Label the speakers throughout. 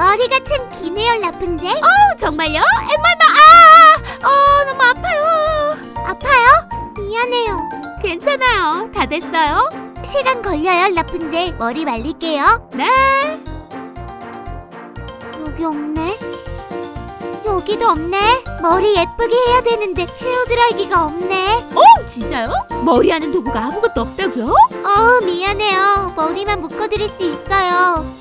Speaker 1: 머리가 참 기네요, 라푼젤.
Speaker 2: 정말요? 엠마, 너무 아파요.
Speaker 1: 아파요? 미안해요.
Speaker 2: 괜찮아요. 다 됐어요?
Speaker 1: 시간 걸려요, 라푼젤. 머리 말릴게요.
Speaker 2: 네.
Speaker 1: 여기 없네. 여기도 없네. 머리 예쁘게 해야 되는데 헤어드라이기가 없네.
Speaker 2: 진짜요? 머리하는 도구가 아무것도 없다고요?
Speaker 1: 미안해요. 머리만 묶어드릴 수 있어요.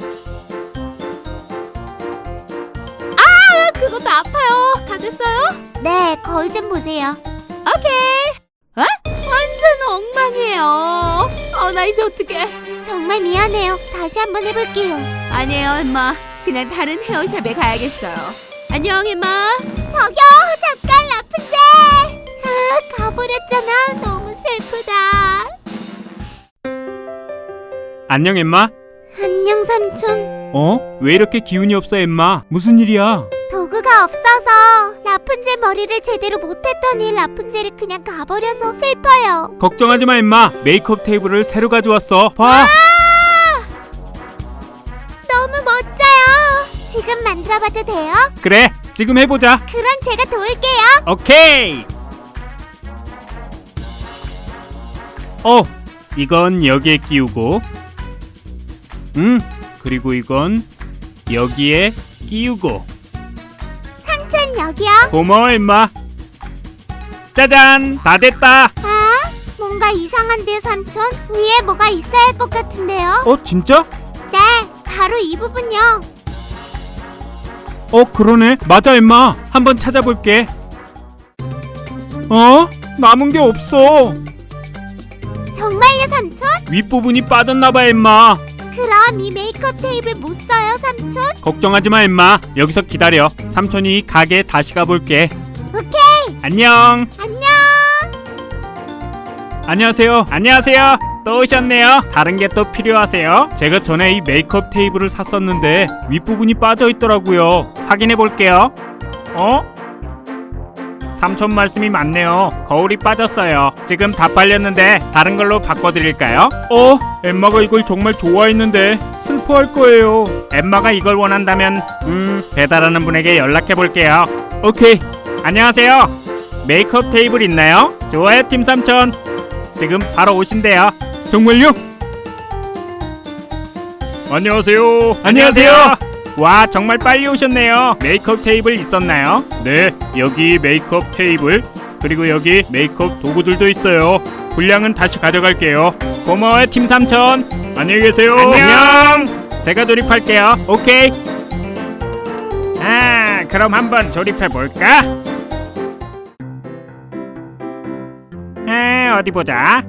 Speaker 2: 그것도 아파요. 다 됐어요?
Speaker 1: 네, 거울 좀 보세요.
Speaker 2: 오케이. 완전 엉망이에요. 나 이제 어떡해.
Speaker 1: 정말 미안해요. 다시 한번 해볼게요.
Speaker 2: 아니에요, 엠마. 그냥 다른 헤어샵에 가야겠어요. 안녕, 엠마.
Speaker 1: 저기요, 잠깐, 라푼젤. 가버렸잖아. 너무 슬프다.
Speaker 3: 안녕 엠마.
Speaker 1: 안녕, 삼촌.
Speaker 3: 왜 이렇게 기운이 없어 엠마? 무슨 일이야?
Speaker 1: 도구가 없어서 라푼젤 머리를 제대로 못했더니 라푼젤이 그냥 가버려서 슬퍼요.
Speaker 3: 걱정하지 마 엠마. 메이크업 테이블을 새로 가져왔어. 봐.
Speaker 1: 너무 멋져요. 지금 만들어봐도 돼요?
Speaker 3: 그래, 지금 해보자.
Speaker 1: 그럼 제가 도울게요.
Speaker 3: 오케이. 이건 여기에 끼우고, 그리고 이건 여기에 끼우고.
Speaker 1: 삼촌 여기요.
Speaker 3: 고마워 엠마. 짜잔, 다 됐다.
Speaker 1: 뭔가 이상한데요, 삼촌? 위에 뭐가 있어야 할 것 같은데요?
Speaker 3: 진짜?
Speaker 1: 네, 바로 이 부분요.
Speaker 3: 그러네. 맞아 엠마. 한번 찾아볼게. 남은 게 없어.
Speaker 1: 정말요, 삼촌?
Speaker 3: 윗부분이 빠졌나봐 엠마.
Speaker 1: 그럼 이 메이크업 테이블 못 써요, 삼촌?
Speaker 3: 걱정하지 마 엠마. 여기서 기다려. 삼촌이 가게에 다시 가볼게.
Speaker 1: 오케이.
Speaker 3: 안녕.
Speaker 1: 안녕.
Speaker 3: 안녕하세요. 안녕하세요. 또 오셨네요. 다른 게 또 필요하세요? 제가 전에 이 메이크업 테이블을 샀었는데 윗부분이 빠져있더라고요. 확인해 볼게요. 삼촌 말씀이 맞네요. 거울이 빠졌어요. 지금 다 빨렸는데 다른 걸로 바꿔드릴까요? 엠마가 이걸 정말 좋아했는데 슬퍼할 거예요. 엠마가 이걸 원한다면 배달하는 분에게 연락해 볼게요. 오케이. 안녕하세요. 메이크업 테이블 있나요? 좋아요, 팀 삼촌. 지금 바로 오신대요. 정말요? 안녕하세요. 안녕하세요. 와, 정말 빨리 오셨네요. 메이크업 테이블 있었나요? 네, 여기 메이크업 테이블, 그리고 여기 메이크업 도구들도 있어요. 분량은 다시 가져갈게요. 고마워요, 팀 삼촌. 안녕히 계세요. 안녕. 제가 조립할게요. 오케이. 그럼 한번 조립해 볼까? 어디 보자.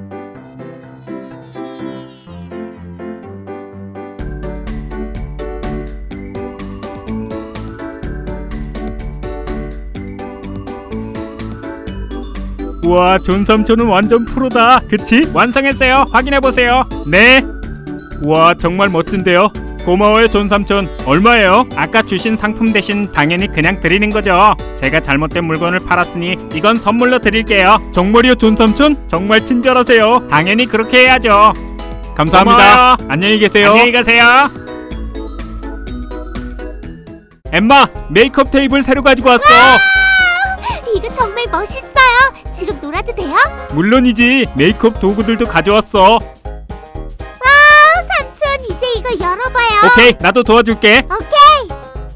Speaker 3: 우와, 존 삼촌은 완전 프로다. 그치? 완성했어요. 확인해보세요. 네. 우와, 정말 멋진데요. 고마워요, 존 삼촌. 얼마예요? 아까 주신 상품 대신 당연히 그냥 드리는 거죠. 제가 잘못된 물건을 팔았으니 이건 선물로 드릴게요. 정말이요, 존 삼촌? 정말 친절하세요. 당연히 그렇게 해야죠. 감사합니다. 고마워요. 안녕히 계세요. 안녕히 가세요. 엠마, 메이크업 테이블 새로 가지고 왔어.
Speaker 1: 이거 정말 멋있어요. 지금 놀아도 돼요?
Speaker 3: 물론이지. 메이크업 도구들도 가져왔어.
Speaker 1: 삼촌, 이제 이거 열어봐요.
Speaker 3: 오케이, 나도 도와줄게.
Speaker 1: 오케이.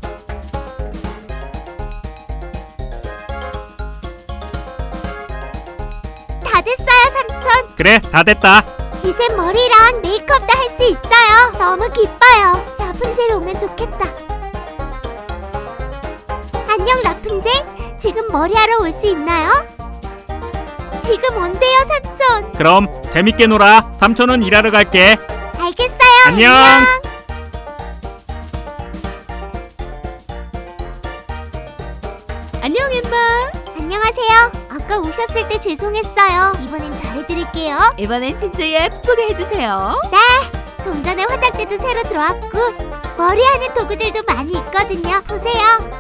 Speaker 1: 다 됐어요, 삼촌.
Speaker 3: 그래, 다 됐다.
Speaker 1: 이제 머리랑 메이크업도 할 수 있어요. 너무 기뻐요. 라푼젤 오면 좋겠다. 안녕, 라푼젤. 지금 머리하러 올 수 있나요? 지금 온대요, 삼촌.
Speaker 3: 그럼 재밌게 놀아. 삼촌은 일하러 갈게.
Speaker 1: 알겠어요.
Speaker 3: 안녕.
Speaker 2: 안녕, 엠마.
Speaker 1: 안녕하세요. 아까 오셨을 때 죄송했어요. 이번엔 잘해드릴게요.
Speaker 2: 이번엔 진짜 예쁘게 해주세요.
Speaker 1: 좀 전에 화장대도 새로 들어왔고 머리하는 도구들도 많이 있거든요. 보세요.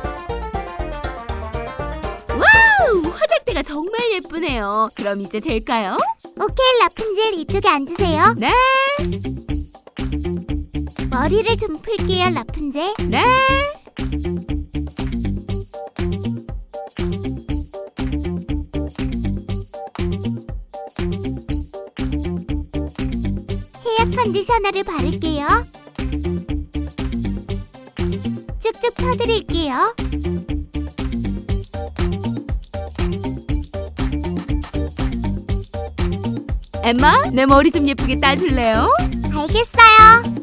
Speaker 2: 와우, 화장대가 정말 예쁘네요. 그럼 이제 될까요?
Speaker 1: 오케이, 라푼젤 이쪽에 앉으세요.
Speaker 2: 네.
Speaker 1: 머리를 좀 풀게요, 라푼젤.
Speaker 2: 네.
Speaker 1: 메이크업을 바를게요. 쭉쭉 펴드릴게요.
Speaker 2: 엠마, 내 머리 좀 예쁘게 따줄래요?
Speaker 1: 알겠어요.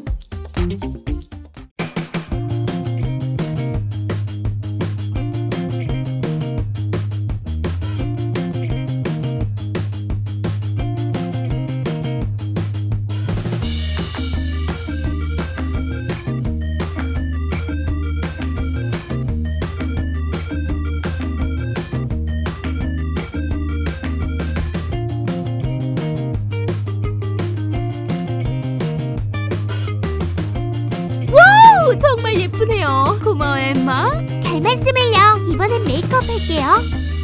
Speaker 2: 오, 정말 예쁘네요. 고마워, 엠마.
Speaker 1: 별 말씀을요. 이번엔 메이크업 할게요.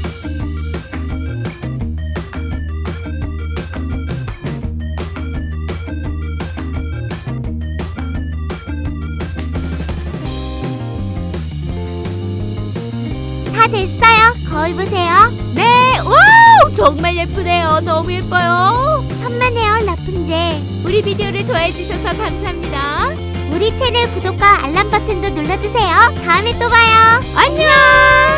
Speaker 1: 다 됐어요. 거울 보세요.
Speaker 2: 네, 와우, 정말 예쁘네요. 너무 예뻐요.
Speaker 1: 천만에요, 라푼젤.
Speaker 2: 우리 비디오를 좋아해 주셔서 감사합니다.
Speaker 1: 우리 채널 구독과 알람 버튼도 눌러주세요. 다음에 또 봐요.
Speaker 2: 안녕.